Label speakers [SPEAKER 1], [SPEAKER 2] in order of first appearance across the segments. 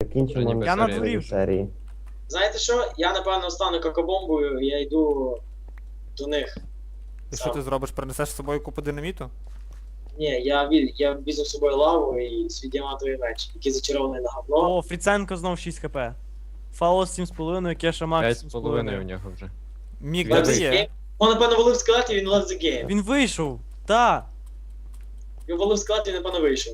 [SPEAKER 1] Закінчимо
[SPEAKER 2] ніби
[SPEAKER 1] на
[SPEAKER 3] на
[SPEAKER 1] цій
[SPEAKER 3] дворі.
[SPEAKER 1] серії.
[SPEAKER 4] Знаєте що? Я напевно стану какобомбою, я йду до них.
[SPEAKER 3] І що
[SPEAKER 4] Сам.
[SPEAKER 3] ти зробиш? Принесеш з собою купу динаміту?
[SPEAKER 4] Ні, я візьму з собою лаву і свій діамантовий меч, який зачарований на говно.
[SPEAKER 3] О, Фріценко знов 6 хп. Фаус 7,5, Кеша Макс
[SPEAKER 2] 5,5 у
[SPEAKER 3] 7,5.
[SPEAKER 2] нього вже.
[SPEAKER 3] Мік
[SPEAKER 2] Він
[SPEAKER 3] де
[SPEAKER 4] Left
[SPEAKER 3] ти
[SPEAKER 4] the
[SPEAKER 3] є?
[SPEAKER 4] game. Он, напевно, валив скелет і він left the game.
[SPEAKER 3] Він вийшов! Та!
[SPEAKER 4] Він валив скелет і, напевно, вийшов.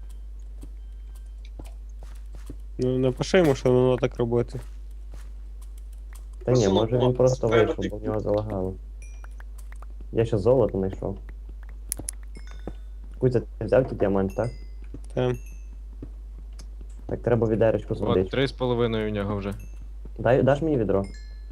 [SPEAKER 5] Ну, напиши йому, що воно так робити.
[SPEAKER 1] Та ні,
[SPEAKER 4] Просто
[SPEAKER 1] може він
[SPEAKER 4] лопнув.
[SPEAKER 1] просто
[SPEAKER 4] Треба
[SPEAKER 1] вийшов, бо в нього залагало. Я ще золото знайшов. Кузя, ти взяв ті діамант, так?
[SPEAKER 5] Та.
[SPEAKER 1] Так, треба відеречку з
[SPEAKER 2] От,
[SPEAKER 1] водички.
[SPEAKER 2] 3,5 у нього вже.
[SPEAKER 1] Даш мені відро?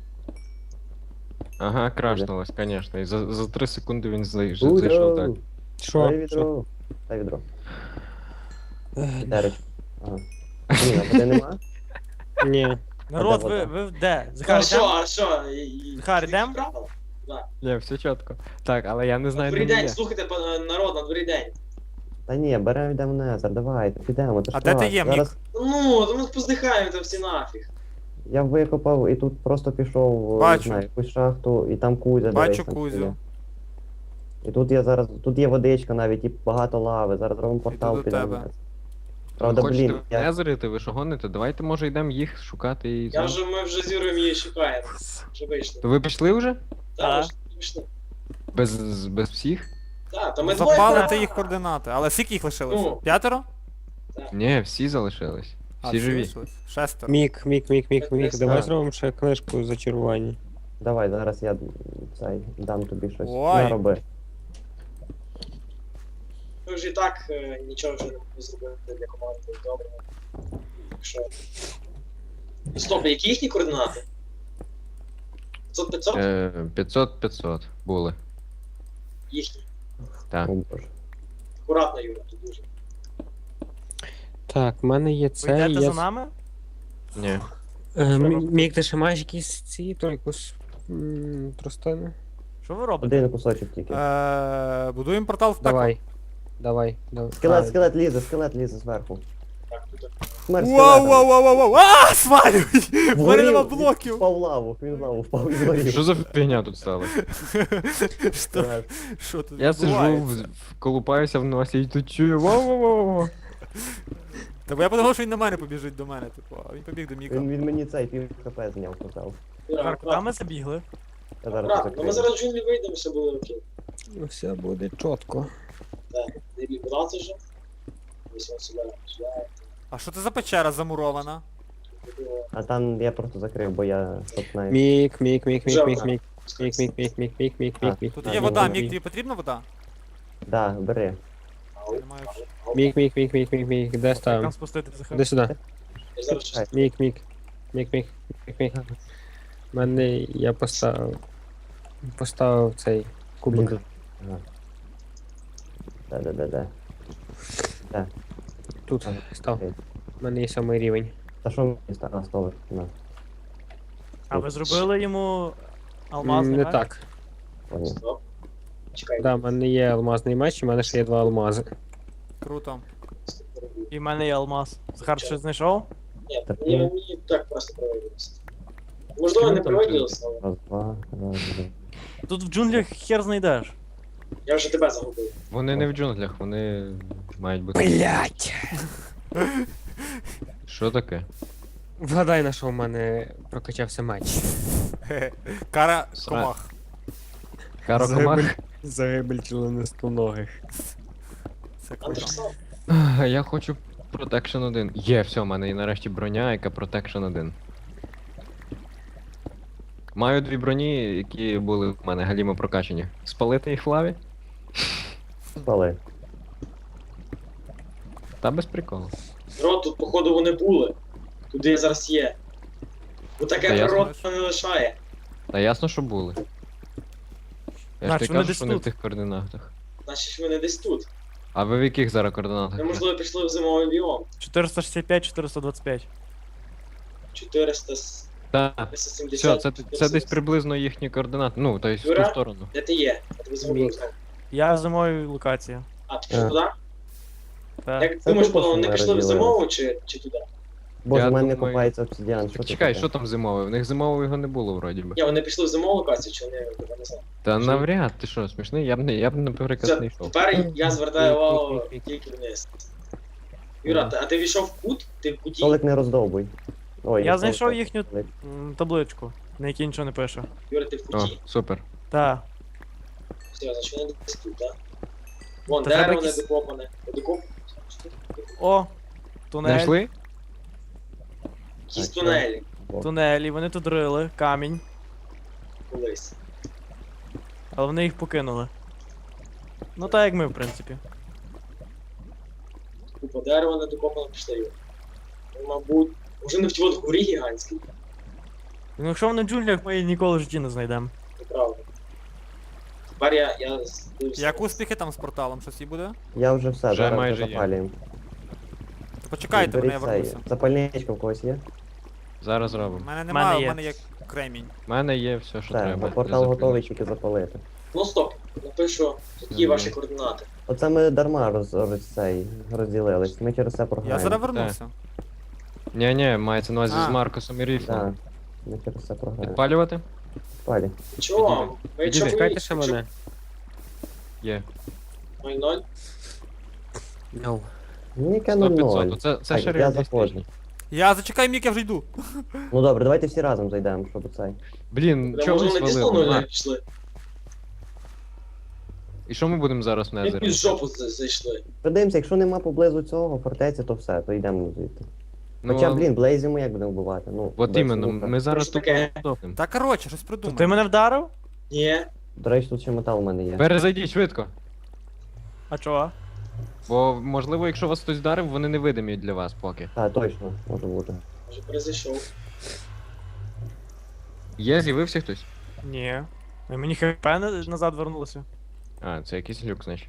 [SPEAKER 2] Ага, крашнулось, звісно. І за 3 секунди він зайшов так.
[SPEAKER 1] Дай
[SPEAKER 5] Що?
[SPEAKER 1] відро. Дай відро. Відеречку. Ага. Ні, а води нема?
[SPEAKER 5] Ні.
[SPEAKER 3] Народ,
[SPEAKER 1] де вода?
[SPEAKER 3] ви де?
[SPEAKER 4] А
[SPEAKER 3] Захар,
[SPEAKER 4] що,
[SPEAKER 3] йдем?
[SPEAKER 4] а що?
[SPEAKER 3] Захар, йдем?
[SPEAKER 2] Ні, все чітко. Так, але я не знаю,
[SPEAKER 4] Добрий
[SPEAKER 2] де він
[SPEAKER 4] день,
[SPEAKER 2] є.
[SPEAKER 4] слухайте, народ, на добрий день.
[SPEAKER 1] Та ні, беремо йдемо в Незер, давайте, підемо. Це ж
[SPEAKER 3] А де ти
[SPEAKER 1] клас.
[SPEAKER 3] є, Мік?
[SPEAKER 1] Зараз
[SPEAKER 4] Ну, то ми поздихаємо там всі нафіг.
[SPEAKER 1] я викопав і тут просто пішов,
[SPEAKER 3] Бачу.
[SPEAKER 1] не знаю, якусь шахту, і там Кузя,
[SPEAKER 3] Бачу
[SPEAKER 1] дивись, там
[SPEAKER 3] Кузю.
[SPEAKER 1] стоїть. І тут я зараз, тут є водичка навіть, і багато лави, зараз робимо портал
[SPEAKER 3] до
[SPEAKER 1] підемо.
[SPEAKER 3] тебе.
[SPEAKER 1] в Незер.
[SPEAKER 2] Ви
[SPEAKER 1] Правда,
[SPEAKER 2] хочете
[SPEAKER 1] блін, я...
[SPEAKER 2] незерити, ви що гоните? Давайте, може, йдемо їх шукати і...
[SPEAKER 4] Ми вже з Юрою її шукаємо. Вже вийшли.
[SPEAKER 2] То ви пішли вже?
[SPEAKER 4] Так, вже вийшли.
[SPEAKER 2] Без всіх?
[SPEAKER 4] Так, то ми двоє.
[SPEAKER 3] Запалити їх координати. Але скільки їх лишилося?
[SPEAKER 4] Ну.
[SPEAKER 3] 5?
[SPEAKER 2] Ні, всі залишились. Всі живі.
[SPEAKER 3] 6.
[SPEAKER 5] Мік,
[SPEAKER 4] Так,
[SPEAKER 5] давай
[SPEAKER 1] так.
[SPEAKER 5] зробимо ще книжку зачарування.
[SPEAKER 1] Давай, зараз я дам тобі щось.
[SPEAKER 3] Ой.
[SPEAKER 1] Нароби.
[SPEAKER 4] Ми вже і так нічого вже не можемо зробити для команди. Добре. Так що... Стоп, які їхні координати? 500-500?
[SPEAKER 2] 500 були.
[SPEAKER 4] Їхні.
[SPEAKER 2] Так.
[SPEAKER 1] О, Боже.
[SPEAKER 4] Акуратно, Юра, тут дуже.
[SPEAKER 5] Так, в мене є
[SPEAKER 3] Ви
[SPEAKER 5] це,
[SPEAKER 3] йдете
[SPEAKER 5] є...
[SPEAKER 3] за нами?
[SPEAKER 2] Ні.
[SPEAKER 5] Мік, ти ще маєш якісь ці, то якусь тростину?
[SPEAKER 3] Що ви робите?
[SPEAKER 1] Один кусочок тільки.
[SPEAKER 3] Будуємо портал в пекло.
[SPEAKER 5] Давай.
[SPEAKER 1] Скелет лізе зверху.
[SPEAKER 4] Так, тут
[SPEAKER 1] Смерть
[SPEAKER 3] Вау,
[SPEAKER 1] скелета.
[SPEAKER 3] вау, вау, вау, вау! А, свалюй! В мене
[SPEAKER 1] Вгорів,
[SPEAKER 3] нема
[SPEAKER 1] він
[SPEAKER 3] блоків!
[SPEAKER 1] Впав в лаву, він в лаву впав і згорів.
[SPEAKER 2] Що за фігня тут сталося?
[SPEAKER 3] Що тут
[SPEAKER 2] Я сижу,
[SPEAKER 3] відбувається?
[SPEAKER 2] колупаюся в носі і тут чую вау-вау-вау.
[SPEAKER 3] Та бо я подумав, що він на мене побіжить до мене, типу, а він побіг до Міка.
[SPEAKER 1] Він мені цей пів хп зняв, казав.
[SPEAKER 3] Захар, куди ми забігли?
[SPEAKER 1] Я зараз
[SPEAKER 4] Акуратно, ну ми
[SPEAKER 1] закрию.
[SPEAKER 4] зараз в джунглі вийдемо, все буде окей.
[SPEAKER 5] Ну, все буде чітко.
[SPEAKER 4] Так, не відбудався вже. Ось він сюди.
[SPEAKER 3] А що це за печера замурована?
[SPEAKER 1] А там я просто закрив, бо я щоб навіть...
[SPEAKER 5] Мік.
[SPEAKER 3] Тут
[SPEAKER 1] А,
[SPEAKER 3] є
[SPEAKER 1] ну,
[SPEAKER 3] вода,
[SPEAKER 1] ну,
[SPEAKER 3] Мік, тобі потрібна вода?
[SPEAKER 1] Да, бери.
[SPEAKER 3] Я не маю
[SPEAKER 5] Мік, де
[SPEAKER 3] як
[SPEAKER 5] ставимо?
[SPEAKER 3] там спустити Захар.
[SPEAKER 5] Іди сюди.
[SPEAKER 4] Я зараз щось.
[SPEAKER 5] Мік. Мене я поставив цей
[SPEAKER 1] Блін,
[SPEAKER 5] кубик.
[SPEAKER 1] тут... Ага. Де.
[SPEAKER 5] Тут
[SPEAKER 1] Ага,
[SPEAKER 5] став.
[SPEAKER 1] окей.
[SPEAKER 5] У мене є 7 рівень.
[SPEAKER 1] Та що мені стало? Столик, на.
[SPEAKER 3] А ви зробили йому алмазний
[SPEAKER 5] Не
[SPEAKER 3] меч?
[SPEAKER 5] так.
[SPEAKER 1] Понял.
[SPEAKER 4] Стоп. Чекай.
[SPEAKER 5] Да, в мене є алмазний меч, і в мене ще є 2 алмази.
[SPEAKER 3] Круто. І в мене є алмаз. Захар, ти щось знайшов?
[SPEAKER 4] Ні,
[SPEAKER 1] Так,
[SPEAKER 4] мені так просто проводилося. Можливо, не проводилося, але
[SPEAKER 1] Раз, два.
[SPEAKER 3] Тут в джунглях хер знайдеш.
[SPEAKER 4] я вже тебе загубив.
[SPEAKER 2] Вони не в джунглях, вони мають бути.
[SPEAKER 5] Блять!
[SPEAKER 2] Що таке?
[SPEAKER 5] Вгадай, на що в мене прокачався меч.
[SPEAKER 3] Кара
[SPEAKER 2] Сра-
[SPEAKER 3] комах.
[SPEAKER 2] Карокомах?
[SPEAKER 5] Загибель членистоногих.
[SPEAKER 3] Це круто.
[SPEAKER 4] Андерсон?
[SPEAKER 2] Я хочу Protection 1. Є, все, в мене є нарешті броня, яка Protection 1. Маю 2 броні, які були в мене галімо прокачані. Спалити їх в лаві?
[SPEAKER 1] Спали.
[SPEAKER 2] Та без приколу.
[SPEAKER 4] Рот, тут, походу, вони були. Туди я зараз є. Бо
[SPEAKER 2] Та
[SPEAKER 4] таке
[SPEAKER 2] я
[SPEAKER 4] природа не лишає.
[SPEAKER 2] Та ясно, що були. Я ж
[SPEAKER 3] Значить,
[SPEAKER 2] ти
[SPEAKER 3] вони
[SPEAKER 2] кажу,
[SPEAKER 3] десь
[SPEAKER 2] що вони в
[SPEAKER 3] тут.
[SPEAKER 2] тих координатах.
[SPEAKER 4] Значить, вони десь тут.
[SPEAKER 2] А ви в яких зараз координатах?
[SPEAKER 4] Ми, можливо, пішли в зимовий біом.
[SPEAKER 3] 465, 425.
[SPEAKER 4] 470.
[SPEAKER 2] Так, все, це десь приблизно їхні координати. Ну, тобто в ту
[SPEAKER 4] Юра?
[SPEAKER 2] сторону.
[SPEAKER 4] Де ти є? Я тебе згубив
[SPEAKER 5] Мік.
[SPEAKER 4] знову.
[SPEAKER 3] Я в зимовій локації.
[SPEAKER 4] А, ти пішов туди?
[SPEAKER 3] Так.
[SPEAKER 4] Як
[SPEAKER 1] Це
[SPEAKER 4] думаєш,
[SPEAKER 1] тупо,
[SPEAKER 4] вони
[SPEAKER 1] що ми
[SPEAKER 4] пішли в
[SPEAKER 1] розділили.
[SPEAKER 4] зимову чи туди?
[SPEAKER 1] Боже,
[SPEAKER 2] Я
[SPEAKER 1] в мене не
[SPEAKER 2] думаю-
[SPEAKER 1] копається обсидіан. Що
[SPEAKER 2] Так
[SPEAKER 1] це
[SPEAKER 2] чекай,
[SPEAKER 1] таке?
[SPEAKER 2] що там зимове? В них зимового його не було вроді би.
[SPEAKER 4] Ні, вони пішли в зимову локацію, чи вони я не знаю.
[SPEAKER 2] Та навряд, ти що, смішний? Я б наприклад
[SPEAKER 4] Все,
[SPEAKER 2] не йшов.
[SPEAKER 4] тепер я звертаю увагу тільки вниз. Юра, а ти війшов в кут? Ти в куті?
[SPEAKER 1] Столик не роздовбуй. Ой,
[SPEAKER 3] Я
[SPEAKER 1] не
[SPEAKER 3] знайшов
[SPEAKER 1] столик,
[SPEAKER 3] їхню
[SPEAKER 1] столик.
[SPEAKER 3] табличку, на якій нічого не пише.
[SPEAKER 4] Юра, ти в
[SPEAKER 2] О,
[SPEAKER 4] куті.
[SPEAKER 2] супер.
[SPEAKER 3] Та.
[SPEAKER 4] Все, значить вони десь тут, так? Вон,
[SPEAKER 3] Та треба
[SPEAKER 4] дерево не
[SPEAKER 3] якісь-
[SPEAKER 4] докопане. Докоп...
[SPEAKER 3] О! Тунель.
[SPEAKER 2] Знайшли?
[SPEAKER 4] Якісь
[SPEAKER 1] Так,
[SPEAKER 4] тунелі
[SPEAKER 3] Тунелі, вони тут рили, камінь,
[SPEAKER 4] колись.
[SPEAKER 3] але вони їх покинули. Ну так як ми, в принципі.
[SPEAKER 4] Купа дерева не докопано пішли, Юра. Ну, мабуть, може не в тій от горі гігантській.
[SPEAKER 3] Ну якщо вони в джунглях, ми її ніколи в житті не знайдемо.
[SPEAKER 4] Неправда. Тепер я дивлюся.
[SPEAKER 6] Як успіхи там з порталом? Щось і буде?
[SPEAKER 1] Я вже все,
[SPEAKER 2] Вже
[SPEAKER 1] зараз
[SPEAKER 2] майже
[SPEAKER 1] вже
[SPEAKER 2] є.
[SPEAKER 1] запалюємо.
[SPEAKER 6] То почекайте, мене я
[SPEAKER 1] Беріть цей.
[SPEAKER 6] вернуся.
[SPEAKER 1] Запальничка в когось є?
[SPEAKER 2] Зараз
[SPEAKER 6] У
[SPEAKER 2] робимо.
[SPEAKER 6] мене
[SPEAKER 3] мене
[SPEAKER 6] немає, у
[SPEAKER 3] є.
[SPEAKER 6] мене є кремінь.
[SPEAKER 2] У мене є все, що
[SPEAKER 1] Все,
[SPEAKER 2] треба.
[SPEAKER 1] на
[SPEAKER 2] для
[SPEAKER 1] портал
[SPEAKER 2] запалення.
[SPEAKER 1] готовий, тільки запалити.
[SPEAKER 4] Ну стоп, напишу, які
[SPEAKER 2] Мгм.
[SPEAKER 4] ваші координати.
[SPEAKER 1] Оце ми дарма розділились. Ми через це
[SPEAKER 6] Я
[SPEAKER 1] програємо.
[SPEAKER 6] зараз вернуся.
[SPEAKER 2] Ні, мається на увазі
[SPEAKER 6] А.
[SPEAKER 2] з Маркосом і Ріфлом.
[SPEAKER 1] Так, ми через це програємо.
[SPEAKER 2] Підпалювати?
[SPEAKER 1] Палі.
[SPEAKER 4] Чого вам? Ви якщо
[SPEAKER 2] Підійди,
[SPEAKER 5] Чекайте ще мене.
[SPEAKER 2] Є.
[SPEAKER 4] 0-0,
[SPEAKER 5] No.
[SPEAKER 1] Ну, яке
[SPEAKER 2] 100-500.
[SPEAKER 1] 0-0.
[SPEAKER 2] Це
[SPEAKER 1] Так,
[SPEAKER 2] ще
[SPEAKER 1] я
[SPEAKER 2] реалістично.
[SPEAKER 1] заходжу.
[SPEAKER 6] Я зачекай, Мік, я вже йду.
[SPEAKER 1] Ну добре, давайте всі разом зайдемо, щоб цей.
[SPEAKER 2] Блін,
[SPEAKER 4] Може
[SPEAKER 2] чого ви
[SPEAKER 4] вони дійсно
[SPEAKER 2] свалили?
[SPEAKER 4] 0-0
[SPEAKER 2] А,
[SPEAKER 4] пішли?
[SPEAKER 2] І що ми будемо зараз в
[SPEAKER 4] Як
[SPEAKER 2] Незері?
[SPEAKER 4] під жопу зайшли.
[SPEAKER 1] Подивимося, якщо нема поблизу цього фортеці, то все, то йдемо звідти.
[SPEAKER 2] Ну,
[SPEAKER 1] Хоча, блін, Блейзі ми як будемо вбивати? Ну,
[SPEAKER 2] От
[SPEAKER 1] без
[SPEAKER 2] іменно,
[SPEAKER 1] лука.
[SPEAKER 2] ми зараз
[SPEAKER 4] Що
[SPEAKER 2] тут
[SPEAKER 4] таке?
[SPEAKER 2] здохнемо.
[SPEAKER 6] Та коротше, щось
[SPEAKER 3] То
[SPEAKER 6] придумай.
[SPEAKER 3] ти мене вдарив?
[SPEAKER 4] Ні.
[SPEAKER 1] До речі, тут ще метал у мене є.
[SPEAKER 2] Перезайдіть швидко.
[SPEAKER 3] А чого?
[SPEAKER 2] Бо, можливо, якщо вас хтось вдарив, вони невидимі для вас поки.
[SPEAKER 1] Так, точно, може бути.
[SPEAKER 4] Може перезайшов.
[SPEAKER 2] Є, з'явився хтось?
[SPEAKER 3] Ні. Мені хп назад вернулося.
[SPEAKER 2] А, це якийсь люк, значить.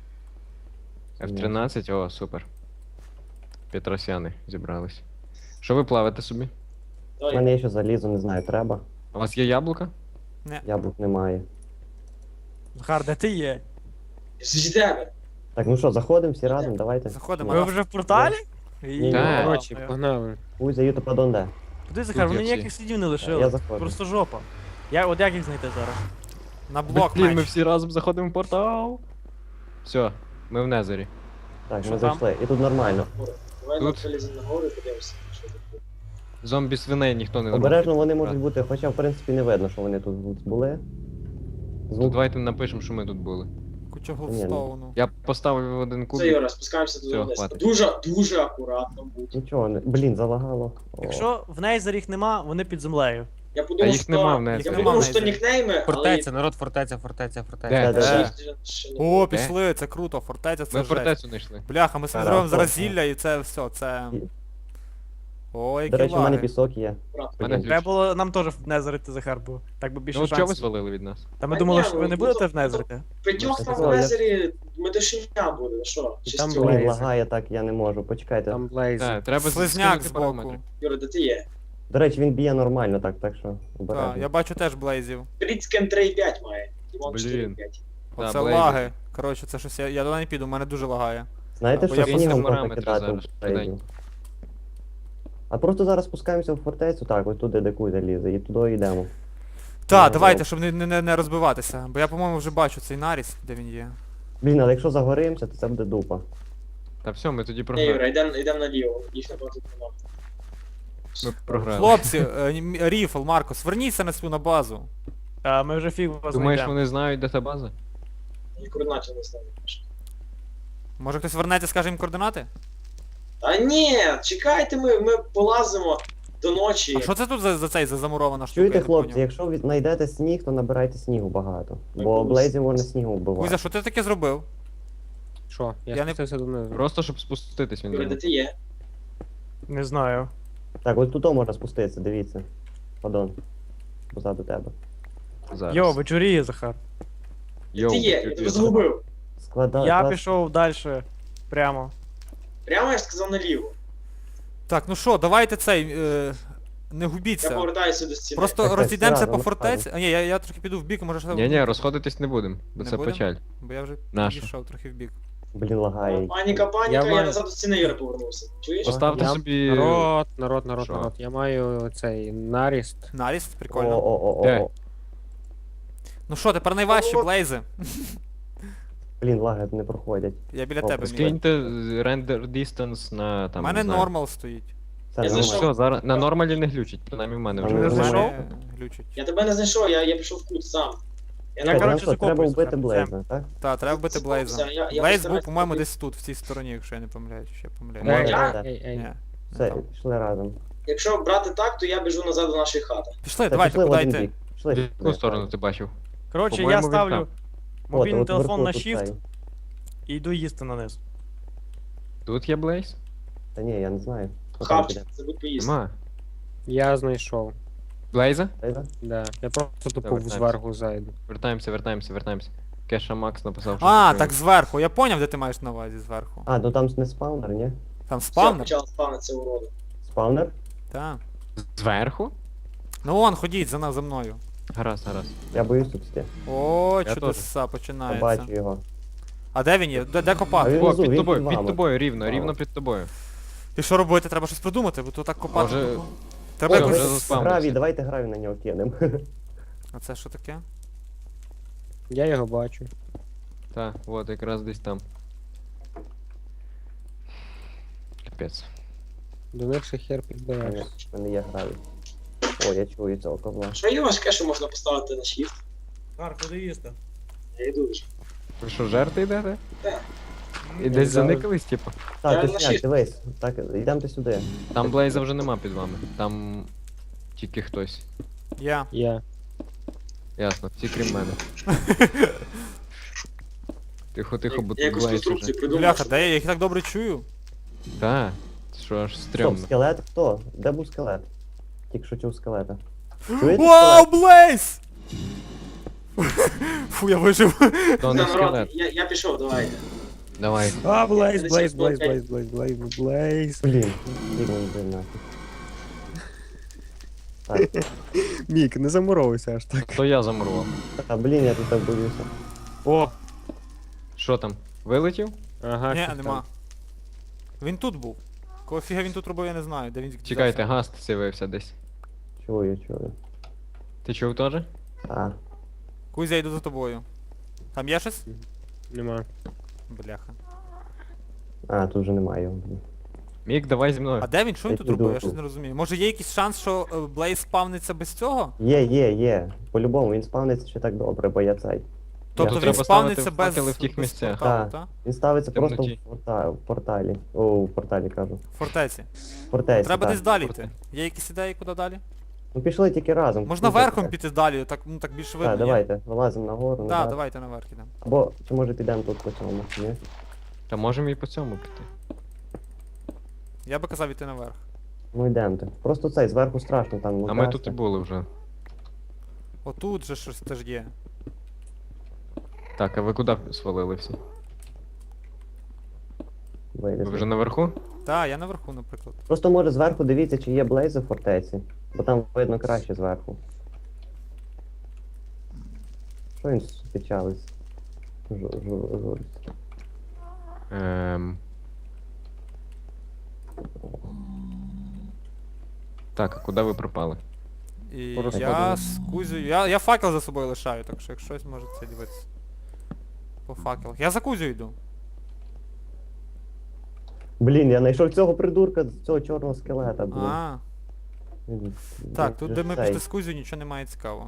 [SPEAKER 2] F13, о, супер. Петросяни зібрались. Що ви плавите собі?
[SPEAKER 1] У
[SPEAKER 4] Давай.
[SPEAKER 1] мене є ще залізо, не знаю, треба.
[SPEAKER 2] У вас є яблука?
[SPEAKER 1] Яблук немає.
[SPEAKER 3] Захар, де ти є?
[SPEAKER 4] З тебе.
[SPEAKER 1] Так, ну що, заходимо всі разом, давайте.
[SPEAKER 6] Заходимо.
[SPEAKER 3] Ви вже в порталі?
[SPEAKER 1] Ні,
[SPEAKER 2] Так.
[SPEAKER 5] Коротше, погнали.
[SPEAKER 1] Кузя, ю падон де?
[SPEAKER 3] Куди, Захар,
[SPEAKER 2] Тут є
[SPEAKER 3] вони
[SPEAKER 2] всі.
[SPEAKER 3] ніяких слідів не
[SPEAKER 1] Я
[SPEAKER 3] лишили.
[SPEAKER 1] заходжу.
[SPEAKER 3] Просто жопа. От як їх знайти зараз?
[SPEAKER 6] На блок
[SPEAKER 2] Блін, ми
[SPEAKER 6] меч.
[SPEAKER 2] всі разом заходимо в портал. Все, ми в Незері.
[SPEAKER 1] Так,
[SPEAKER 3] Що
[SPEAKER 1] ми
[SPEAKER 3] там?
[SPEAKER 1] зайшли. І тут нормально.
[SPEAKER 4] Давай
[SPEAKER 2] Тут.
[SPEAKER 4] виліземо на гору і подивимося, що тут.
[SPEAKER 2] Зомбі свиней ніхто не
[SPEAKER 1] Обережно вони
[SPEAKER 2] робить.
[SPEAKER 1] можуть бути, хоча в принципі не видно, що вони тут були.
[SPEAKER 2] Ну,
[SPEAKER 1] Звук.
[SPEAKER 2] давайте напишемо, що ми тут були.
[SPEAKER 6] Куча
[SPEAKER 1] Ні,
[SPEAKER 6] голдстоуну.
[SPEAKER 2] Я поставив один
[SPEAKER 4] Все,
[SPEAKER 2] кубик.
[SPEAKER 4] Юра, спускаємося туди
[SPEAKER 2] Всьо,
[SPEAKER 4] вниз.
[SPEAKER 2] хватить.
[SPEAKER 4] Дуже акуратно будь.
[SPEAKER 1] Нічого, не... блін, залагало. О.
[SPEAKER 3] Якщо в Нейзер їх нема, вони під землею.
[SPEAKER 4] Я подумав,
[SPEAKER 2] їх нема в Незері.
[SPEAKER 4] я
[SPEAKER 6] Їх
[SPEAKER 4] подумав,
[SPEAKER 6] нема в
[SPEAKER 4] що
[SPEAKER 6] Незері.
[SPEAKER 4] нікнейми, але...
[SPEAKER 5] Фортеця, народ, фортеця.
[SPEAKER 2] Де?
[SPEAKER 1] Де?
[SPEAKER 4] ще не
[SPEAKER 6] О,
[SPEAKER 4] було.
[SPEAKER 6] пішли, це круто, фортеця це
[SPEAKER 2] Ми в
[SPEAKER 6] жесть.
[SPEAKER 2] фортецю знайшли.
[SPEAKER 6] Бляха, ми собі
[SPEAKER 1] Ага,
[SPEAKER 6] зробимо зараз
[SPEAKER 1] точно.
[SPEAKER 6] зілля і це все, це...
[SPEAKER 1] І-
[SPEAKER 6] О, які
[SPEAKER 1] До речі, в мене
[SPEAKER 6] лаги.
[SPEAKER 1] пісок є.
[SPEAKER 2] Мене
[SPEAKER 1] Блін.
[SPEAKER 3] Треба було нам теж в Незерити, Захар, бо так би більше
[SPEAKER 2] Ну, чого ви
[SPEAKER 3] шансів.
[SPEAKER 2] свалили від нас?
[SPEAKER 3] Та ми
[SPEAKER 4] А
[SPEAKER 3] думали,
[SPEAKER 4] ні,
[SPEAKER 3] що ви
[SPEAKER 4] ну,
[SPEAKER 3] не
[SPEAKER 4] ну,
[SPEAKER 3] будете
[SPEAKER 4] то-
[SPEAKER 3] в Незерити.
[SPEAKER 4] П'ятьох
[SPEAKER 1] Ну,
[SPEAKER 4] там
[SPEAKER 1] це
[SPEAKER 4] в
[SPEAKER 1] я-
[SPEAKER 4] Незері медошиня буде, ну що?
[SPEAKER 5] там
[SPEAKER 4] Чистю.
[SPEAKER 5] Блейз.
[SPEAKER 1] Блін, лагає так, я не можу. Почекайте.
[SPEAKER 5] Там Блейз.
[SPEAKER 2] Так, треба
[SPEAKER 6] Слизняк
[SPEAKER 2] скинути
[SPEAKER 6] збоку.
[SPEAKER 2] параметри.
[SPEAKER 4] Юра, де ти є?
[SPEAKER 1] До речі, він б'є нормально, так що
[SPEAKER 6] Так,
[SPEAKER 1] обережно.
[SPEAKER 6] я бачу теж блейзів.
[SPEAKER 4] Тріцкен 3,5 має. Іван
[SPEAKER 2] Блін.
[SPEAKER 4] 4,5.
[SPEAKER 2] Да,
[SPEAKER 6] Оце
[SPEAKER 2] блейзів.
[SPEAKER 6] лаги. Коротше, це щось, я туди не піду, у мене дуже лагає.
[SPEAKER 1] Знаєте,
[SPEAKER 6] Бо
[SPEAKER 1] що
[SPEAKER 6] я
[SPEAKER 1] снігом
[SPEAKER 2] поставив
[SPEAKER 1] можна
[SPEAKER 2] параметри
[SPEAKER 1] кидати
[SPEAKER 2] зараз,
[SPEAKER 1] в Блейзі?
[SPEAKER 2] швиденько.
[SPEAKER 1] А просто зараз спускаємося в фортецю, так, ось туди, де Кузя лізе, і туди йдемо.
[SPEAKER 6] Так,
[SPEAKER 1] Ну,
[SPEAKER 6] давайте,
[SPEAKER 1] ну.
[SPEAKER 6] щоб не розбиватися. Бо я, по-моєму, вже бачу цей наріс, де він є.
[SPEAKER 1] Блін, але якщо загоримося, то це буде дупа.
[SPEAKER 2] Та все, ми тоді
[SPEAKER 4] Ні,
[SPEAKER 2] програли.
[SPEAKER 4] Юра, йдемо наліво. Їх на тут нема.
[SPEAKER 2] Ми програли.
[SPEAKER 6] Хлопці, Ріфл, Маркос, верніться на свою на базу.
[SPEAKER 3] А ми вже фіг вас
[SPEAKER 2] Думаєш,
[SPEAKER 3] знайдемо.
[SPEAKER 2] вони знають, де та база?
[SPEAKER 4] І координатів не знаю.
[SPEAKER 6] Може хтось вернеться, скаже їм координати?
[SPEAKER 4] Та ні, чекайте, ми полазимо до ночі.
[SPEAKER 6] А що це тут за цей за замурована штука? я
[SPEAKER 1] Чуєте,
[SPEAKER 6] не
[SPEAKER 1] хлопці,
[SPEAKER 6] поняв?
[SPEAKER 1] якщо ви знайдете сніг, то набирайте снігу багато.
[SPEAKER 4] Так,
[SPEAKER 1] Бо
[SPEAKER 4] ось.
[SPEAKER 1] Блейзів можна снігу
[SPEAKER 6] Кузя,
[SPEAKER 1] вбивати.
[SPEAKER 6] що ти таке зробив?
[SPEAKER 5] Що?
[SPEAKER 6] Я
[SPEAKER 5] Я
[SPEAKER 6] не-
[SPEAKER 5] спустився донизу.
[SPEAKER 2] Просто щоб спуститись він
[SPEAKER 4] Юра, де
[SPEAKER 2] зробив.
[SPEAKER 4] ти є?
[SPEAKER 3] Не знаю.
[SPEAKER 1] Так, ось тут можна спуститися, дивіться. Падон. Позаду тебе.
[SPEAKER 2] Зараз.
[SPEAKER 3] Йо, вечоріє, Захар.
[SPEAKER 2] Йоу,
[SPEAKER 4] Ти є, я тебе загубив.
[SPEAKER 3] Я пішов далі. Прямо.
[SPEAKER 4] Прямо я ж сказав наліво.
[SPEAKER 6] Так, ну що, давайте цей. Не
[SPEAKER 4] Я
[SPEAKER 6] губіться.
[SPEAKER 4] повертаюся до стіни.
[SPEAKER 6] Просто
[SPEAKER 1] Так,
[SPEAKER 6] розійдемося
[SPEAKER 1] разом,
[SPEAKER 6] по фортеці. А ні, я трохи піду в бік, може ще.
[SPEAKER 2] Ні, розходитись не будемо, бо
[SPEAKER 6] Не
[SPEAKER 2] це
[SPEAKER 6] будем?
[SPEAKER 2] печаль.
[SPEAKER 6] Бо я вже
[SPEAKER 2] Нащо?
[SPEAKER 6] підійшов трохи в бік.
[SPEAKER 1] Блін, лагає.
[SPEAKER 4] Паніка,
[SPEAKER 5] Я
[SPEAKER 4] я
[SPEAKER 5] маю-
[SPEAKER 4] назад до стіни Юра повернувся. Чуєш?
[SPEAKER 2] Поставте
[SPEAKER 5] Я-
[SPEAKER 2] собі.
[SPEAKER 5] Народ.
[SPEAKER 2] Що?
[SPEAKER 5] Я маю цей наріст.
[SPEAKER 6] Наріст, прикольно.
[SPEAKER 1] О.
[SPEAKER 6] Ну що, тепер найважчі блейзи.
[SPEAKER 1] Блін, лаги не проходять.
[SPEAKER 6] Я біля
[SPEAKER 1] О,
[SPEAKER 6] тебе, Мік.
[SPEAKER 2] Скиньте render distance на
[SPEAKER 6] У
[SPEAKER 2] там.
[SPEAKER 6] мене
[SPEAKER 2] не знаю.
[SPEAKER 6] нормал стоїть.
[SPEAKER 1] Це
[SPEAKER 4] Я
[SPEAKER 2] Ну
[SPEAKER 4] зайшов.
[SPEAKER 2] все, зараз на нормалі не глючить, принаймні в мене вже.
[SPEAKER 1] Ну,
[SPEAKER 6] У
[SPEAKER 1] знайшов?
[SPEAKER 6] мене глючить.
[SPEAKER 4] Я тебе не знайшов, я пішов в кут сам. Я
[SPEAKER 3] Я,
[SPEAKER 4] на
[SPEAKER 3] коротше,
[SPEAKER 1] Треба
[SPEAKER 3] закопуюсь
[SPEAKER 1] вбити
[SPEAKER 3] прям.
[SPEAKER 1] Блейза, так?
[SPEAKER 6] Так, треба вбити Блейза.
[SPEAKER 4] Я
[SPEAKER 6] Блейз
[SPEAKER 4] постараюсь
[SPEAKER 6] був, по-моєму,
[SPEAKER 4] побити.
[SPEAKER 6] десь тут, в цій стороні, якщо я не помиляюсь, чи я помиляюсь.
[SPEAKER 2] Може.
[SPEAKER 4] Я?
[SPEAKER 5] Ей.
[SPEAKER 6] Ні.
[SPEAKER 1] Все,
[SPEAKER 6] там.
[SPEAKER 1] пішли разом.
[SPEAKER 4] Якщо брати так, то я біжу назад до нашої хати.
[SPEAKER 6] Пішли,
[SPEAKER 1] Та
[SPEAKER 6] давайте,
[SPEAKER 1] пішли в
[SPEAKER 6] куди
[SPEAKER 1] один
[SPEAKER 6] йти?
[SPEAKER 1] бік. Пішли.
[SPEAKER 2] В яку сторону ти бачив?
[SPEAKER 3] Коротше, я
[SPEAKER 2] По-моєму, він
[SPEAKER 3] ставлю
[SPEAKER 2] там.
[SPEAKER 3] мобільний
[SPEAKER 1] От
[SPEAKER 3] телефон
[SPEAKER 1] вверху
[SPEAKER 3] на
[SPEAKER 1] тут
[SPEAKER 3] shift
[SPEAKER 1] цей.
[SPEAKER 3] і йду їсти на низ.
[SPEAKER 2] Тут є Блейз?
[SPEAKER 1] Та ні, я не знаю.
[SPEAKER 4] Хавчик, забудь поїсти.
[SPEAKER 2] Нема.
[SPEAKER 5] Я знайшов.
[SPEAKER 2] Блейза?
[SPEAKER 5] Да. Я просто тупо
[SPEAKER 2] Давай,
[SPEAKER 5] зверху зайду.
[SPEAKER 2] Вертаємося. Кеша Макс написав, що.
[SPEAKER 6] А,
[SPEAKER 2] таке.
[SPEAKER 6] так зверху. Я поняв, де ти маєш на увазі зверху.
[SPEAKER 1] А, ну там не спаунер, ні?
[SPEAKER 6] Там
[SPEAKER 4] Все,
[SPEAKER 6] спавнер?
[SPEAKER 4] почала спавнитися уроди.
[SPEAKER 1] Спаунер?
[SPEAKER 6] Так.
[SPEAKER 2] Зверху?
[SPEAKER 6] Ну вон, ходіть за мною.
[SPEAKER 2] Гаразд.
[SPEAKER 1] Я боюсь тут сидіти.
[SPEAKER 6] О,
[SPEAKER 2] Я
[SPEAKER 6] чудеса,
[SPEAKER 1] Я
[SPEAKER 6] починається.
[SPEAKER 1] бачу його.
[SPEAKER 6] А де він є? Де
[SPEAKER 1] А
[SPEAKER 6] копати?
[SPEAKER 1] він-
[SPEAKER 2] О,
[SPEAKER 1] внизу,
[SPEAKER 2] під
[SPEAKER 1] він
[SPEAKER 2] тобою,
[SPEAKER 1] під
[SPEAKER 2] під
[SPEAKER 1] вами.
[SPEAKER 2] тобою, рівно
[SPEAKER 1] Вау.
[SPEAKER 2] під тобою.
[SPEAKER 6] І що робити? Треба щось придумати, бо то так копати.
[SPEAKER 2] Може,
[SPEAKER 6] Треба
[SPEAKER 2] Ой,
[SPEAKER 6] якось.
[SPEAKER 2] вже заспавнився.
[SPEAKER 1] Гравій, давайте гравій на нього кинемо.
[SPEAKER 6] А це що таке?
[SPEAKER 5] Я його бачу.
[SPEAKER 2] Так, от якраз десь там. Капець.
[SPEAKER 5] До них ще хер
[SPEAKER 1] У
[SPEAKER 5] підбираєш.
[SPEAKER 1] мене є гравій. О, я чую цього ковла.
[SPEAKER 4] Що є важке, що можна поставити на shift?
[SPEAKER 3] Кар, куди їсти?
[SPEAKER 4] Я йду вже.
[SPEAKER 2] Ви що, жерти йдете?
[SPEAKER 4] Так.
[SPEAKER 2] І десь заникались, типу?
[SPEAKER 1] Так,
[SPEAKER 4] Я на
[SPEAKER 1] точняк,
[SPEAKER 4] shift.
[SPEAKER 1] дивись. Так, йдемте сюди.
[SPEAKER 2] Там Блейза вже нема під вами. Там тільки хтось.
[SPEAKER 6] Я.
[SPEAKER 2] Ясно, всі крім мене. Тихо,
[SPEAKER 4] Я
[SPEAKER 2] бо тут
[SPEAKER 4] якусь
[SPEAKER 2] Блейз
[SPEAKER 4] конструкцію
[SPEAKER 2] уже.
[SPEAKER 4] придумав.
[SPEAKER 6] Бляха, де я їх так добре чую?
[SPEAKER 2] Так, що аж
[SPEAKER 1] Стоп,
[SPEAKER 2] стрьомно.
[SPEAKER 1] скелет хто? Де був скелет? Тільки що чув скелета. Чуєте
[SPEAKER 6] Вау,
[SPEAKER 1] скелет?
[SPEAKER 6] Блейз! Фу, я вижив.
[SPEAKER 2] То не
[SPEAKER 4] Народ,
[SPEAKER 2] скелет.
[SPEAKER 4] я пішов, давайте.
[SPEAKER 2] Давай.
[SPEAKER 5] А, Блейз,
[SPEAKER 4] Блейз, Блейз,
[SPEAKER 5] Блейз.
[SPEAKER 1] Блін, блін, нафіг. Так,
[SPEAKER 5] Мік, не замуровуйся аж так.
[SPEAKER 2] То я замурував.
[SPEAKER 1] а блін, я тут так боюся.
[SPEAKER 5] О!
[SPEAKER 2] Що там? Вилетів?
[SPEAKER 5] Ага,
[SPEAKER 6] Ні,
[SPEAKER 5] щось
[SPEAKER 6] нема.
[SPEAKER 5] там.
[SPEAKER 6] Він тут був. Кого фіга він тут робив, я не знаю. Де він
[SPEAKER 2] Чекайте, гаст з'явився десь.
[SPEAKER 1] Чую.
[SPEAKER 2] Ти чув теж?
[SPEAKER 1] А,
[SPEAKER 6] Кузя, я йду за тобою. Там є щось?
[SPEAKER 5] Нема.
[SPEAKER 6] Бляха.
[SPEAKER 1] тут вже немає його. Блін.
[SPEAKER 2] Мік, давай зі мною.
[SPEAKER 6] А де він? Що він
[SPEAKER 1] Я
[SPEAKER 6] тут
[SPEAKER 1] піду.
[SPEAKER 6] робив? Я щось не розумію. Може є якийсь шанс, що Блейз спавниться без цього?
[SPEAKER 1] Є. По-любому, він спавниться ще так добре, бо я цей.
[SPEAKER 6] Тобто
[SPEAKER 1] Я-
[SPEAKER 6] він
[SPEAKER 2] Треба
[SPEAKER 6] спавниться
[SPEAKER 2] ставити
[SPEAKER 6] без,
[SPEAKER 2] факели в тих
[SPEAKER 6] без
[SPEAKER 2] місцях.
[SPEAKER 6] порталу,
[SPEAKER 1] Так.
[SPEAKER 6] так?
[SPEAKER 1] Він ставиться просто
[SPEAKER 2] Темноті.
[SPEAKER 1] в порталі. О, в порталі кажу.
[SPEAKER 6] В фортеці.
[SPEAKER 1] В фортеці,
[SPEAKER 6] Треба
[SPEAKER 1] так.
[SPEAKER 6] десь далі йти. Є якісь ідеї, куди далі?
[SPEAKER 1] Ну пішли тільки разом.
[SPEAKER 6] Можна
[SPEAKER 1] Куди
[SPEAKER 6] верхом
[SPEAKER 1] таке?
[SPEAKER 6] піти далі, так, ну, так більше видно.
[SPEAKER 1] Так,
[SPEAKER 6] ні?
[SPEAKER 1] давайте, вилазимо нагору,
[SPEAKER 6] Так,
[SPEAKER 1] назад.
[SPEAKER 6] давайте наверх ідемо.
[SPEAKER 1] Або, чи може підемо тут по цьому, ні?
[SPEAKER 2] Та можемо і по цьому піти.
[SPEAKER 6] Я би казав іти наверх.
[SPEAKER 1] Ну йдемте. Просто цей, зверху страшно там.
[SPEAKER 2] А ми
[SPEAKER 1] лутатися.
[SPEAKER 2] тут і були вже.
[SPEAKER 6] Отут же щось теж є.
[SPEAKER 2] Так, а ви куди свалили всі?
[SPEAKER 1] Вилізли.
[SPEAKER 2] Ви вже наверху?
[SPEAKER 6] Так, я наверху, наприклад.
[SPEAKER 1] Просто може зверху дивіться, чи є блейзи в фортеці. Бо там видно краще зверху. Що він спечались? Журить.
[SPEAKER 2] Так, а куди ви пропали?
[SPEAKER 6] І
[SPEAKER 5] Просто
[SPEAKER 6] я
[SPEAKER 2] подумав.
[SPEAKER 6] з Кузею. Я факел за собою лишаю, так що якщо щось може це дивитися. По факелах. Я за Кузею йду.
[SPEAKER 1] Блін, я знайшов цього придурка, цього чорного скелета, блін.
[SPEAKER 6] А,
[SPEAKER 1] Він-
[SPEAKER 6] так,
[SPEAKER 1] він
[SPEAKER 6] тут
[SPEAKER 1] же
[SPEAKER 6] де ми
[SPEAKER 1] цей.
[SPEAKER 6] пішли з Кузею, нічого немає цікавого.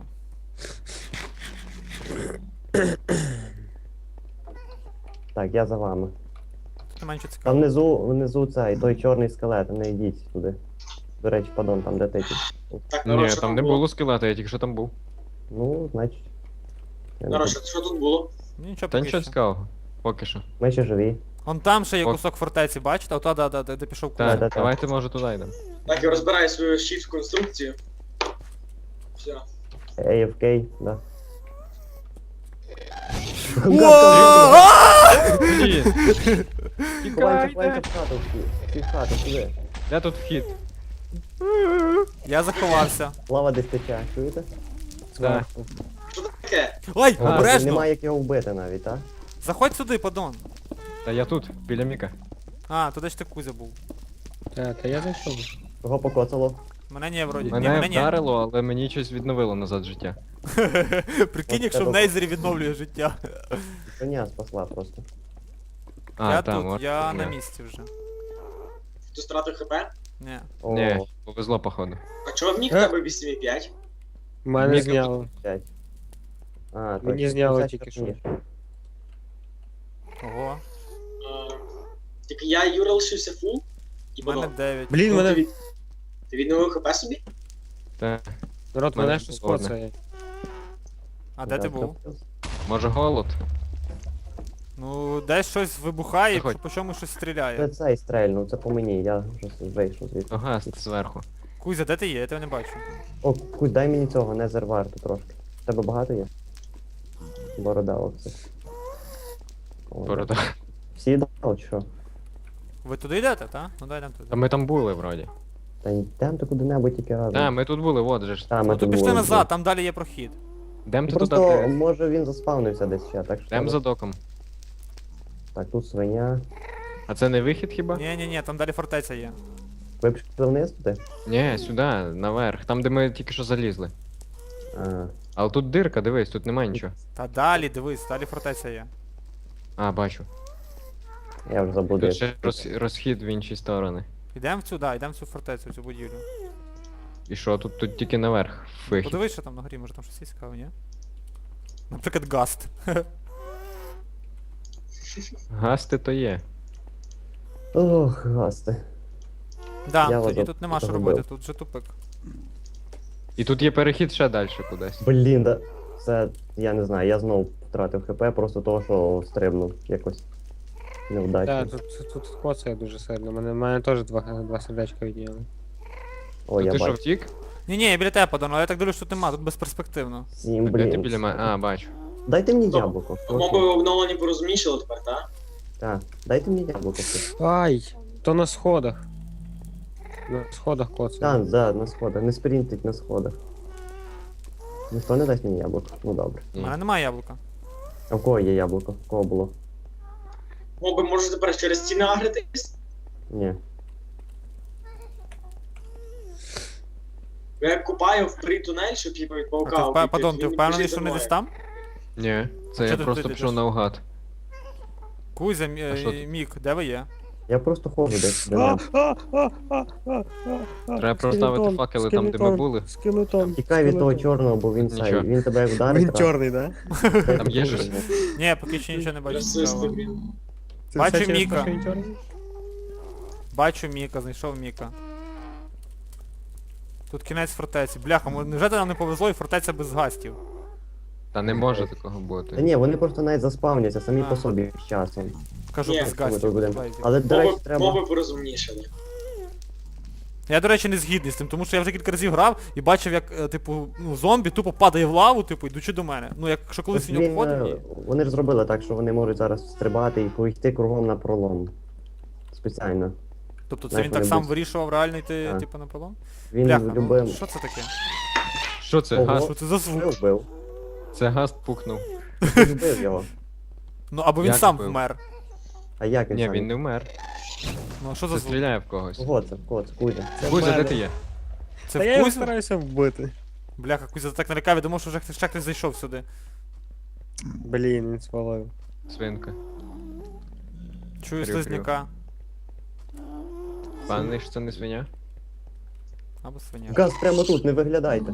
[SPEAKER 1] Так, я за вами.
[SPEAKER 6] Тут немає нічого
[SPEAKER 1] Там
[SPEAKER 6] цікавого.
[SPEAKER 1] внизу цей, той чорний скелет, не йдіть туди. До речі, падон, там де ти.
[SPEAKER 4] Так, народ,
[SPEAKER 2] Ні,
[SPEAKER 4] що
[SPEAKER 2] там не було скелета, я тільки що там був.
[SPEAKER 1] Ну, значить. я не
[SPEAKER 4] Народ,
[SPEAKER 1] знаю.
[SPEAKER 4] що тут було?
[SPEAKER 6] Нічого
[SPEAKER 2] Та
[SPEAKER 6] поки
[SPEAKER 2] нічого
[SPEAKER 6] що.
[SPEAKER 2] цікавого. Поки що.
[SPEAKER 1] Ми ще живі.
[SPEAKER 6] Вон там ще є
[SPEAKER 2] Ок.
[SPEAKER 6] кусок фортеці, бачите? Ота, де пішов Кузя.
[SPEAKER 2] Так,
[SPEAKER 1] да-да.
[SPEAKER 2] давайте може туди йдемо.
[SPEAKER 4] Так, я розбираю свою shift конструкцію. Все.
[SPEAKER 1] AFK, да.
[SPEAKER 2] Ні!
[SPEAKER 1] Ховаємося в хату всі в хату, сюди.
[SPEAKER 2] Де тут вхід?
[SPEAKER 6] Я заховався.
[SPEAKER 1] Лава десь тече, чуєте?
[SPEAKER 2] Так.
[SPEAKER 4] Що таке?
[SPEAKER 6] Ой,
[SPEAKER 2] А,
[SPEAKER 6] обережно!
[SPEAKER 1] Немає як його вбити навіть, так?
[SPEAKER 6] Заходь сюди, падон.
[SPEAKER 2] Та я тут, біля Міка.
[SPEAKER 6] А, туди ж ти Кузя був.
[SPEAKER 5] Та я зайшов.
[SPEAKER 1] Кого покоцало?
[SPEAKER 6] Мене не вроді. Ні,
[SPEAKER 2] Мене
[SPEAKER 6] мене ні.
[SPEAKER 2] вдарило, але мені щось відновило назад життя.
[SPEAKER 6] Прикинь,
[SPEAKER 1] От
[SPEAKER 6] якщо в
[SPEAKER 1] тебе-
[SPEAKER 6] Нейзері відновлює життя.
[SPEAKER 1] Коня спасла просто.
[SPEAKER 2] А,
[SPEAKER 6] Я
[SPEAKER 2] там,
[SPEAKER 6] тут,
[SPEAKER 2] от,
[SPEAKER 6] я
[SPEAKER 2] ні.
[SPEAKER 6] на місці вже.
[SPEAKER 4] Ти стратив хп?
[SPEAKER 6] Ні.
[SPEAKER 1] О,
[SPEAKER 2] Ні, повезло, походу.
[SPEAKER 4] А чого в Мік в тебе 8,5?
[SPEAKER 5] Мене
[SPEAKER 2] Міка
[SPEAKER 5] зняло.
[SPEAKER 1] 5. А,
[SPEAKER 5] Мені
[SPEAKER 1] точно,
[SPEAKER 5] зняло
[SPEAKER 1] 50
[SPEAKER 5] тільки
[SPEAKER 1] штук
[SPEAKER 5] що.
[SPEAKER 1] ні.
[SPEAKER 6] Ого.
[SPEAKER 4] Тільки я Юра лишився фул. І
[SPEAKER 6] У мене
[SPEAKER 4] воно.
[SPEAKER 6] 9.
[SPEAKER 5] Блін,
[SPEAKER 4] Ну,
[SPEAKER 5] мене.
[SPEAKER 4] Ти відновив хп собі?
[SPEAKER 2] Та,
[SPEAKER 5] Народ,
[SPEAKER 2] мене
[SPEAKER 5] мене щось
[SPEAKER 2] холодне.
[SPEAKER 5] коцає.
[SPEAKER 6] А де ти
[SPEAKER 1] Да,
[SPEAKER 6] був?
[SPEAKER 2] може голод?
[SPEAKER 6] Ну, десь щось вибухає,
[SPEAKER 2] Заходь.
[SPEAKER 6] по чому щось
[SPEAKER 1] Це
[SPEAKER 6] стріляє.
[SPEAKER 1] цей стрельнув, це по мені, я вже вийшов звідти.
[SPEAKER 2] Ага, зверху.
[SPEAKER 6] Кузя, де ти є? Я тебе не бачу.
[SPEAKER 1] О, Кузь, дай мені цього, не зерварту трошки. В тебе багато є? Борода, оце. О,
[SPEAKER 2] Борода.
[SPEAKER 1] Всі дав, чи що?
[SPEAKER 6] Ви туди йдете, так? Ну дай нам
[SPEAKER 2] Та
[SPEAKER 6] туди.
[SPEAKER 2] ми там були вроді.
[SPEAKER 1] Та йдемо ти куди-небудь тільки разом.
[SPEAKER 2] Та, ми тут були, от же ж.
[SPEAKER 1] Та, ми
[SPEAKER 6] Ну то
[SPEAKER 1] тут
[SPEAKER 6] пішли
[SPEAKER 1] були.
[SPEAKER 6] назад, там далі є прохід.
[SPEAKER 2] Дем ти туди.
[SPEAKER 1] Просто, може він заспавнився десь ще, так що...
[SPEAKER 2] Дем
[SPEAKER 1] треба-
[SPEAKER 2] за доком.
[SPEAKER 1] Так, тут свиня.
[SPEAKER 2] А це не вихід хіба?
[SPEAKER 6] Ні, там далі фортеця є.
[SPEAKER 1] Ви пішли вниз туди?
[SPEAKER 2] Ні, сюди, наверх. Там, де ми тільки що залізли.
[SPEAKER 1] А,
[SPEAKER 2] Але тут дирка, дивись, тут немає нічого.
[SPEAKER 6] Та далі, дивись, далі фортеця є.
[SPEAKER 2] А, бачу.
[SPEAKER 1] я вже забуду.
[SPEAKER 2] Тут ще розхід в інші сторони.
[SPEAKER 6] Йдемо в цю, да, йдемо в цю фортецю, в цю будівлю.
[SPEAKER 2] І що, тут тільки наверх вихід.
[SPEAKER 6] Подивись, що там на горі, може там щось є цікаве, ні? Наприклад, гаст.
[SPEAKER 2] Гасти то є.
[SPEAKER 1] Ох, гасти.
[SPEAKER 6] Да,
[SPEAKER 1] Я
[SPEAKER 6] тоді
[SPEAKER 1] вас
[SPEAKER 6] тут нема що
[SPEAKER 1] загубив.
[SPEAKER 6] робити, тут вже тупик.
[SPEAKER 2] І тут є перехід ще далі кудись.
[SPEAKER 1] Блін, да. Це, я не знаю, я знов втратив хп, просто того, що стрибнув якось. Невдачно.
[SPEAKER 5] Так, тут коцає дуже сильно. Мене теж два сердечка відняли.
[SPEAKER 1] О,
[SPEAKER 2] То
[SPEAKER 1] я
[SPEAKER 2] ти що
[SPEAKER 1] бачу.
[SPEAKER 2] втік?
[SPEAKER 6] Ні, я біля тебе падаю, але я так дивлюсь, що тут нема, тут безперспективно.
[SPEAKER 1] 7,
[SPEAKER 2] Де ти
[SPEAKER 1] блін.
[SPEAKER 2] біля мене? А, бачу.
[SPEAKER 1] Дайте мені
[SPEAKER 4] Стоп.
[SPEAKER 1] яблуко.
[SPEAKER 4] Моби обновлені порозумнішали тепер, так?
[SPEAKER 1] Так, дайте мені яблуко. хтось.
[SPEAKER 5] Ай, то на сходах. На сходах коцає.
[SPEAKER 1] Так, да, на сходах. Не спринтить на сходах. Ніхто не дасть мені яблуко. Ну добре.
[SPEAKER 6] У мене немає яблука.
[SPEAKER 1] А в кого є яблуко? В кого було?
[SPEAKER 4] Моби можуть тепер через стіни агритись?
[SPEAKER 1] Ні.
[SPEAKER 4] Я купаю в тунель, щоб типу від
[SPEAKER 6] А
[SPEAKER 4] паука.
[SPEAKER 6] ти
[SPEAKER 4] обійти,
[SPEAKER 6] Падон, ти
[SPEAKER 4] він
[SPEAKER 6] впевнений,
[SPEAKER 4] біжить
[SPEAKER 6] що
[SPEAKER 4] за
[SPEAKER 6] вони
[SPEAKER 4] мною.
[SPEAKER 6] десь там?
[SPEAKER 2] Ні, це
[SPEAKER 6] Що
[SPEAKER 2] я
[SPEAKER 6] ти
[SPEAKER 2] просто
[SPEAKER 6] туди
[SPEAKER 2] пішов
[SPEAKER 6] йдеш?
[SPEAKER 2] наугад.
[SPEAKER 6] Кузя,
[SPEAKER 2] А що тут?
[SPEAKER 6] Мік, де ви є?
[SPEAKER 1] Я просто ходжу десь до нього.
[SPEAKER 2] Треба проставити факели там, де ми були.
[SPEAKER 5] Скелетон.
[SPEAKER 1] Тікай від того чорного, бо він
[SPEAKER 2] Нічого.
[SPEAKER 1] цей. Він тебе вдарить.
[SPEAKER 5] Він
[SPEAKER 1] раз.
[SPEAKER 5] чорний, да?
[SPEAKER 2] Там є щось?
[SPEAKER 6] Ні, поки що нічого не бачу.
[SPEAKER 4] Расисти,
[SPEAKER 6] цікавого.
[SPEAKER 4] блін.
[SPEAKER 5] Це
[SPEAKER 6] Бачу
[SPEAKER 5] все через
[SPEAKER 6] Міка.
[SPEAKER 5] те, що він чорний?
[SPEAKER 6] Бачу Міка, знайшов Міка. Тут кінець фортеці. Бляха, невже нам не повезло і фортеця без гастів?
[SPEAKER 2] Та не може такого
[SPEAKER 1] Та
[SPEAKER 2] бути.
[SPEAKER 1] ні, вони просто навіть заспавняться самі
[SPEAKER 6] А.
[SPEAKER 1] по собі з часом.
[SPEAKER 6] Кажу,
[SPEAKER 4] Ні,
[SPEAKER 6] без
[SPEAKER 1] Ми тут
[SPEAKER 6] гастів.
[SPEAKER 1] будемо.
[SPEAKER 6] без лайзів.
[SPEAKER 1] Але, до речі,
[SPEAKER 4] Моби,
[SPEAKER 1] треба.
[SPEAKER 4] моби порозумнішали.
[SPEAKER 6] Я, до речі, не згідний з тим, тому що я вже кілька разів грав і бачив, як, типу, ну, зомбі тупо падає в лаву, типу, йдучи до мене. Ну, якщо колись він
[SPEAKER 1] Він,
[SPEAKER 6] обходив,
[SPEAKER 1] вони ж зробили так, що вони можуть зараз стрибати і пойти кругом на пролом. Спеціально.
[SPEAKER 6] тобто це
[SPEAKER 1] знаєш,
[SPEAKER 6] він так
[SPEAKER 1] вони
[SPEAKER 6] сам
[SPEAKER 1] будуть-
[SPEAKER 6] вирішував реально йти,
[SPEAKER 1] Так.
[SPEAKER 6] типу, на пролом?
[SPEAKER 1] Він
[SPEAKER 6] Бляха, ну,
[SPEAKER 1] любив.
[SPEAKER 6] що це таке?
[SPEAKER 2] Що це?
[SPEAKER 1] Ого.
[SPEAKER 2] Гаст?
[SPEAKER 6] Що це за звук?
[SPEAKER 1] Що вбив?
[SPEAKER 2] Це гаст пукнув.
[SPEAKER 1] Ти вбив його.
[SPEAKER 6] Ну, або він
[SPEAKER 2] Як
[SPEAKER 6] сам
[SPEAKER 2] вбив?
[SPEAKER 6] вмер.
[SPEAKER 1] А як він
[SPEAKER 2] Ні,
[SPEAKER 1] сам?
[SPEAKER 2] він не вмер.
[SPEAKER 6] Ну, а що за
[SPEAKER 2] Це
[SPEAKER 6] звук?
[SPEAKER 2] стріляє в когось.
[SPEAKER 1] Кого це? Кого це? Кузя.
[SPEAKER 2] Кузя, де ти є?
[SPEAKER 6] Це
[SPEAKER 5] Та я
[SPEAKER 6] в
[SPEAKER 5] його
[SPEAKER 6] Кузю?
[SPEAKER 5] стараюся вбити.
[SPEAKER 6] Бляха, Кузя так налякав, я думав, що вже ще хтось зайшов сюди.
[SPEAKER 5] Блін, він свалив.
[SPEAKER 2] Свинка.
[SPEAKER 6] Чую
[SPEAKER 2] Крю-крю.
[SPEAKER 6] слизняка.
[SPEAKER 2] Певний, що це не свиня?
[SPEAKER 6] Або свиня.
[SPEAKER 1] Газ прямо тут, не виглядайте.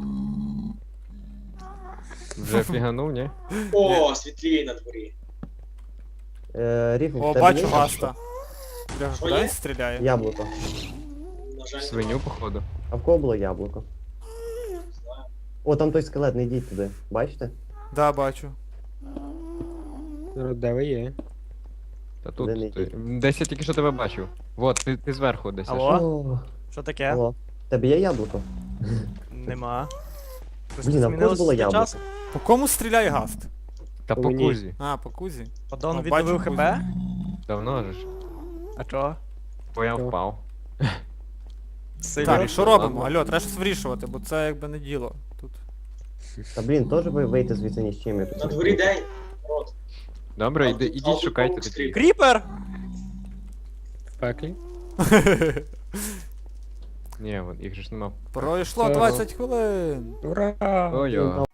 [SPEAKER 2] Вже фіганув, ні?
[SPEAKER 4] О, світліє на дворі.
[SPEAKER 1] Ріфу, в
[SPEAKER 6] О,
[SPEAKER 1] тебе
[SPEAKER 6] бачу
[SPEAKER 1] є
[SPEAKER 6] гаста. Бляха,
[SPEAKER 4] Що
[SPEAKER 6] куди
[SPEAKER 4] є?
[SPEAKER 6] він стріляє?
[SPEAKER 1] яблуко?
[SPEAKER 4] На жаль,
[SPEAKER 2] Свиню, походу.
[SPEAKER 1] А в кого було яблуко?
[SPEAKER 4] не знаю.
[SPEAKER 1] О, там той скелет, не йдіть туди. Бачите?
[SPEAKER 6] Да, бачу.
[SPEAKER 5] Народ, де ви є?
[SPEAKER 2] Та
[SPEAKER 1] Де не
[SPEAKER 2] тут. Десь я тільки що тебе бачив. Вот, ти зверху десь. аж.
[SPEAKER 3] Алло?
[SPEAKER 1] О,
[SPEAKER 3] Що таке?
[SPEAKER 1] алло. В тебе є яблуко?
[SPEAKER 3] Нема.
[SPEAKER 1] Блін, а в кого ж було яблуко?
[SPEAKER 6] По кому стріляє гаст?
[SPEAKER 2] Та по
[SPEAKER 5] Мені.
[SPEAKER 2] кузі.
[SPEAKER 6] А, по Кузі.
[SPEAKER 3] Подон
[SPEAKER 6] О,
[SPEAKER 3] відновив
[SPEAKER 6] бачу,
[SPEAKER 3] ХП?
[SPEAKER 2] Давно же ж.
[SPEAKER 3] А чого?
[SPEAKER 2] Бо я
[SPEAKER 5] Чого?
[SPEAKER 2] впав.
[SPEAKER 3] Сильно.
[SPEAKER 6] Так, і що
[SPEAKER 2] ладно.
[SPEAKER 6] робимо? Алло, треба щось вирішувати, бо це якби не діло. Тут.
[SPEAKER 1] Та блін, теж ви вийти звідси ні з чим. я тут
[SPEAKER 4] На
[SPEAKER 1] не
[SPEAKER 4] дворі
[SPEAKER 1] знаю.
[SPEAKER 4] день. Народ.
[SPEAKER 2] Добре,
[SPEAKER 4] А тут- а
[SPEAKER 2] ідіть
[SPEAKER 4] тут
[SPEAKER 2] шукайте
[SPEAKER 4] паук
[SPEAKER 2] тоді.
[SPEAKER 4] стріляє.
[SPEAKER 3] Кріпер!
[SPEAKER 5] В пеклі.
[SPEAKER 2] Ні, їх же ж нема.
[SPEAKER 6] Пройшло
[SPEAKER 5] Ага.
[SPEAKER 6] 20 хвилин.
[SPEAKER 5] Ура!
[SPEAKER 2] Ой-ой.